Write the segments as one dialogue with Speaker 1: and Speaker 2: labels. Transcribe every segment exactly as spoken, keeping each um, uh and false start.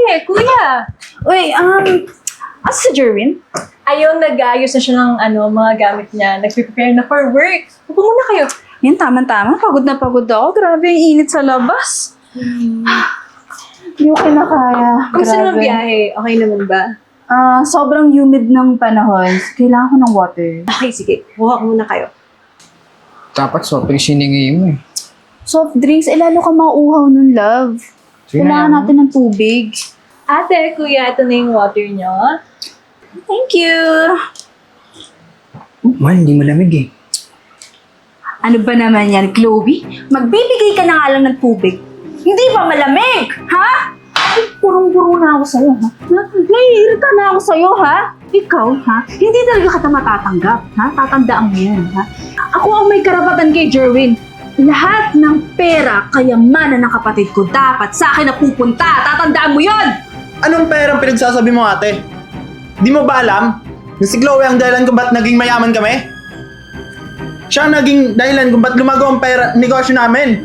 Speaker 1: ate, kuya.
Speaker 2: Uy, um, asa si Jerwin?
Speaker 1: Ayun, nag-aayos na siya ng ano, mga gamit niya. Nag-prepare na for work. Upo muna kayo.
Speaker 2: Yan, tama-tama. Pagod na pagod ako. Grabe, ang init sa labas. Hindi ko kinakaya.
Speaker 1: Kamusta naman
Speaker 2: Grabe.
Speaker 1: biyahe? Okay naman ba?
Speaker 2: Ah, sobrang humid ng panahon. Kailangan ko ng water.
Speaker 1: Okay, sige. Buha ko muna kayo.
Speaker 3: Dapat soft drinks hiningi mo eh.
Speaker 2: Soft drinks, eh lalo ka mauuhaw nun, love.
Speaker 3: Sige
Speaker 2: Kailangan
Speaker 3: na,
Speaker 2: natin ng tubig.
Speaker 1: Ate, kuya, ito na yung water niyo.
Speaker 2: Thank you.
Speaker 3: Man, hindi malamig eh.
Speaker 2: Ano ba naman yan, Chloe? Magbibigay ka na nga lang ng tubig. Hindi ba malamig? Ha? Ay, purong-puro na ako sa'yo, ha? Na- Naiirita na ako sa'yo, ha? Ikaw, ha? Hindi talaga kita matatanggap, ha? Tatandaan mo yan, ha? Ako ang may karapatan kay Jerwin. Lahat ng pera, kayamanan ng kapatid ko, dapat sa akin na pupunta. Tatandaan mo yon.
Speaker 4: Anong perang pinagsasabi mo, ate? Di mo ba alam na si Chloe ang dahilan kung ba't naging mayaman kami? Siya ang naging dahilan kung ba't lumago ang pera, negosyo namin.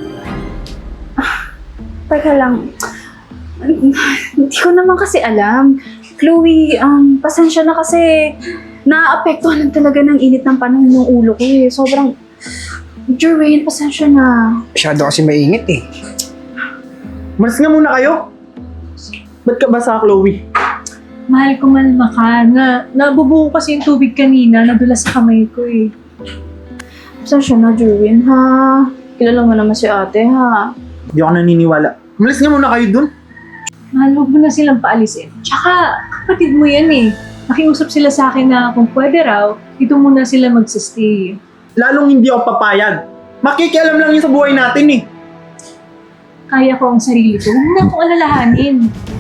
Speaker 2: Teka lang. Hindi ko naman kasi alam. Chloe, um, pasensya na kasi naapektuhan lang talaga ng init ng panahon ng ulo ko eh. Sobrang... Jerwin, pasensya na.
Speaker 3: Masyado kasi mainit eh.
Speaker 4: Malis nga muna kayo. Ba't ka ba sa Chloe?
Speaker 1: Mahal ko, malma ka. Na, nabubuo kasi yung tubig kanina. Nadulas sa kamay ko eh.
Speaker 2: Pasensya na, Jerwin, ha? Kilala mo naman si ate, ha?
Speaker 4: Di ako naniniwala. Malis nga muna kayo dun.
Speaker 1: Mahal, huwag mo na silang paalisin. Tsaka, kapatid mo yan eh. Nakiusap sila sa akin na kung pwede raw, dito muna sila magsistay.
Speaker 4: Lalong hindi ako papayag. Makikialam lang yun sa buhay natin eh.
Speaker 1: Kaya ko ang sarili ko. Huwag mo na akong alalahanin.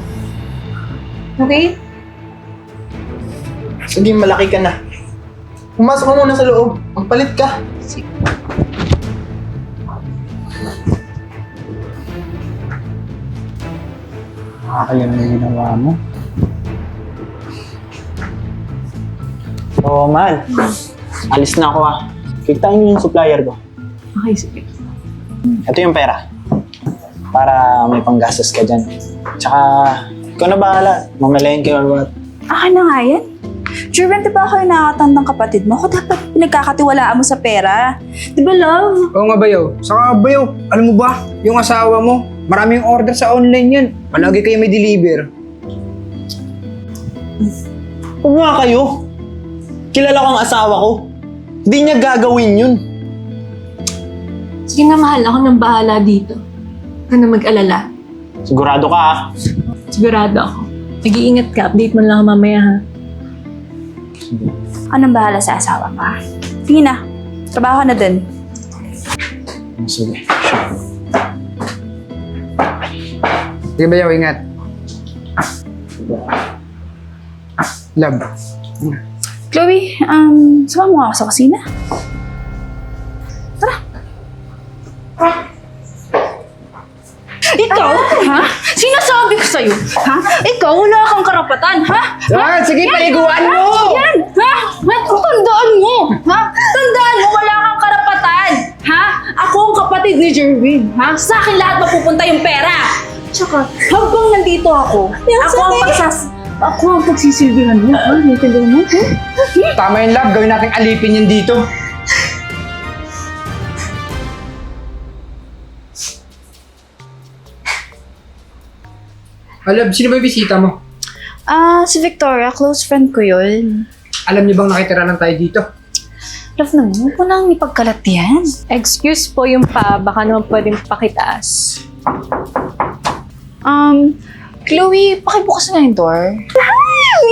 Speaker 1: Okay?
Speaker 4: Sige, malaki ka na. Pumasok ka muna sa loob. Magpalit ka.
Speaker 1: Sige.
Speaker 3: Nakakalam na yung ginawa mo.
Speaker 4: Oo, mahal. Alis na ako ah. Kitain niyo yung supplier ko.
Speaker 1: Okay, sige.
Speaker 4: Ito yung pera. Para may panggastos ka dyan. Tsaka, ikaw na bahala. Mamalayan kayo or what.
Speaker 2: Akin na nga yan. Jerwin, di ba ako yung nakakatandang kapatid mo? Ako dapat pinagkakatiwalaan mo sa pera. Di ba, love?
Speaker 3: Oo nga bayaw. Saka bayaw, alam mo ba, yung asawa mo, maraming order sa online yan. Palagi kayo may deliver.
Speaker 4: Huwag nga kayo. Kilala ko ang asawa ko. Di niya gagawin yun.
Speaker 1: Sige na, mahal. Ako nang bahala dito. Huwag ka na mag-alala.
Speaker 4: Sigurado ka ah.
Speaker 1: Sigurado ako. Mag-iingat ka. Update mo lang ako mamaya ha.
Speaker 2: Anong bahala sa asawa ka? Sige na. Trabaho ka na dun.
Speaker 4: Sige.
Speaker 3: Sige bayaw, ingat. Love.
Speaker 2: Chloe, um, sama mo ako sa kusina. Tara. Ikaw, ha? Sinasabi ko sa'yo, ha? Ikaw, wala kang karapatan, ha?
Speaker 3: Ah, sige, paliguan mo!
Speaker 2: Yan, ha? Tandaan mo, ha? Tandaan mo, wala kang karapatan, ha? Ako ang kapatid ni Jerwin, ha? Sa akin lahat mapupunta yung pera. Tsaka, habang nandito ako, ako ang pagsas... Ako ang pagsisilbihan mo, ha? Naintindihan mo, ha?
Speaker 3: Tama yung love, gawin natin alipin yan dito. Ah, love, sino ba yung bisita mo?
Speaker 2: Ah, si Victoria, close friend ko yun.
Speaker 3: Alam niyo bang nakitira lang tayo dito?
Speaker 2: Love naman, huwag mo nang ipagkalat yan.
Speaker 1: Excuse po yung pa. Baka naman pwedeng pakitaas.
Speaker 2: Um, Chloe, pakibukas na yung door. Hi!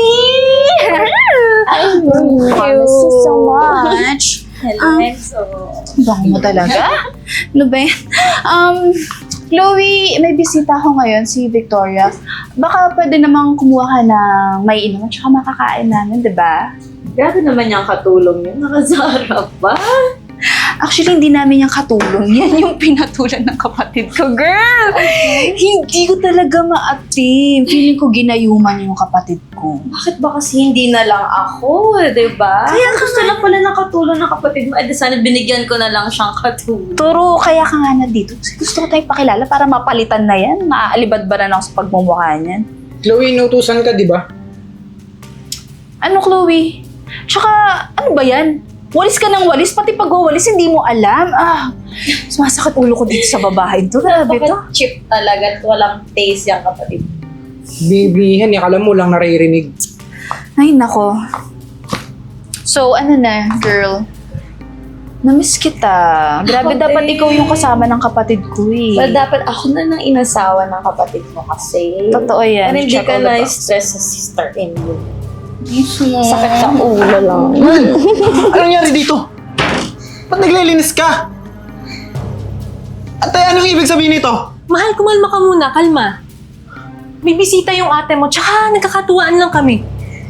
Speaker 1: Thank you.
Speaker 2: Miss you so much.
Speaker 1: Hello,
Speaker 2: Um,
Speaker 1: Enzo.
Speaker 2: Bango mo talaga? Ano ba yan? Um, Chloe, may bisita ko ngayon, si Victoria. Baka pwede namang kumuha ka ng may inom at saka makakain namin, di ba?
Speaker 1: Grabe naman yung katulong yun. Nakasarap ba?
Speaker 2: Actually, hindi namin yung katulong. Yan yung pinatulan ng kapatid ko, girl! Hindi ko talaga ma-attain. Feeling ko ginayuman yung kapatid ko.
Speaker 5: Bakit ba kasi hindi na lang ako, di ba? Kaya gusto lang pala ng katulong ng kapatid mo. Eh, di sana binigyan ko na lang siyang katulong.
Speaker 2: Turo, kaya ka nga na dito. Kasi gusto ko tayo pakilala para mapalitan na yan. Maaalibad ba na ako sa pagmumukha niyan?
Speaker 3: Chloe, inutusan ka, di ba?
Speaker 2: Ano, Chloe? Tsaka, ano ba yan? Walis ka ng walis, pati pag-walis hindi mo alam. Ah, sumasakit ulo ko dito sa babae to. Grabe to.
Speaker 5: Bakit cheap talaga at walang taste yung kapatid?
Speaker 3: Bibihan, akala mo lang naririnig.
Speaker 2: Ay, nako. So, ano na, girl? Namiss kita. Grabe,
Speaker 5: Ako
Speaker 2: dapat
Speaker 5: din.
Speaker 2: ikaw yung kasama ng kapatid ko eh.
Speaker 5: Well, dapat ako na nang inasawa ng kapatid mo kasi.
Speaker 2: Totoo yan.
Speaker 5: Para hindi
Speaker 2: Check
Speaker 5: ka
Speaker 2: all the box.
Speaker 5: na-stress sa sister-in-law. Sakit sa ulo lang.
Speaker 4: Anong nangyari dito? Ba't naglilinis ka? Ate, anong ibig sabihin nito?
Speaker 1: Mahal, kumalma ka muna. Kalma. May bisita yung ate mo, tsaka nagkakatuwaan lang kami.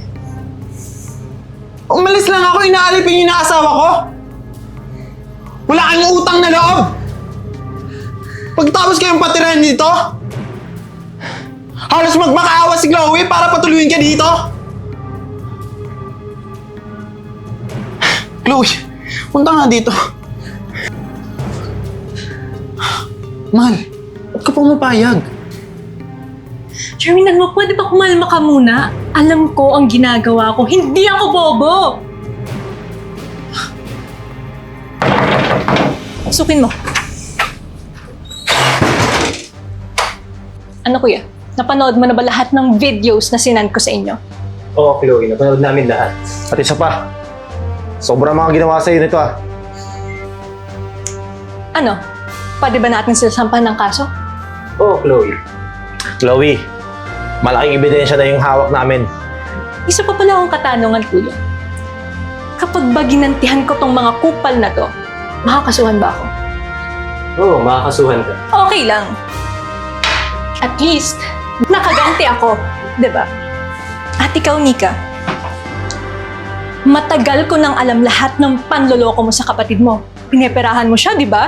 Speaker 4: Umalis lang ako, inaalipin yung naasawa ko. Wala kang utang na loob. Pagtapos kayong patirahan dito, halos magmakaawa si Chloe para patuluyin ka dito. Chloe, punta nga dito. Mahal, ba't ka pumapayag?
Speaker 1: Jeremy, nagmo, pwede ba kumalma ka muna? Alam ko ang ginagawa ko. Hindi ako bobo! Sukin mo. Ano kuya? Napanood mo na ba lahat ng videos na sinend ko sa inyo?
Speaker 6: Oo, Chloe. Napanood namin lahat. At isa pa, sobrang mga ginawa sa'yo nito ah.
Speaker 1: Ano? Pwede ba natin sila sampahan ng kaso?
Speaker 6: Oo, Chloe. Chloe, malaking ebidensya na yung hawak namin.
Speaker 1: Isa pa pala akong katanungan, kuya. Kapag ba ginantihan ko tong mga kupal na to, makakasuhan ba ako?
Speaker 6: Oo, makakasuhan ka.
Speaker 1: Okay lang. At least, nakaganti ako. Diba? At ikaw, Nika, matagal ko nang alam lahat ng panloloko mo sa kapatid mo. Pineperahan mo siya, di ba?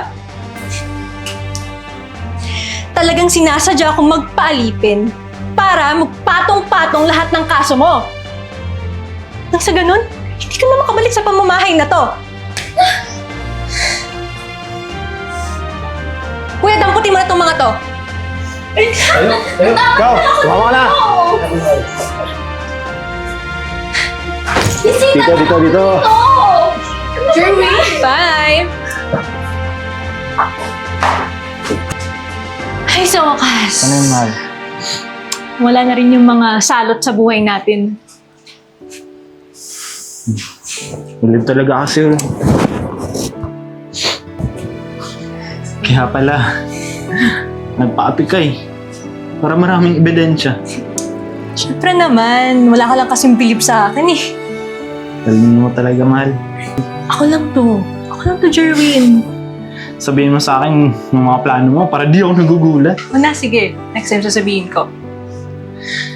Speaker 1: Talagang sinasadya akong magpaalipin para magpatong-patong lahat ng kaso mo. Nang sa ganun, hindi ka na makabalik sa pamamahay na to. Kuya, damputin mo na itong mga to.
Speaker 6: Tayo, tayo. Ikaw, tumama ka na. Dito, dito, dito.
Speaker 1: Bye! Ay, sa wakas.
Speaker 4: Ano yun, mahal?
Speaker 1: Wala na rin yung mga salot sa buhay natin.
Speaker 4: Ulib talaga kasi yun. Kaya pala, nagpa-api ka eh. Para maraming ebidensya.
Speaker 1: Siyempre naman, wala ka lang kasing bilib sa akin eh.
Speaker 4: Galing mo talaga, mahal.
Speaker 1: Ako lang to. Ako lang to, Jerwin.
Speaker 4: Sabihin mo sa akin ng mga plano mo para di ako nagugulat.
Speaker 1: O na, sige. Next time sasabihin ko.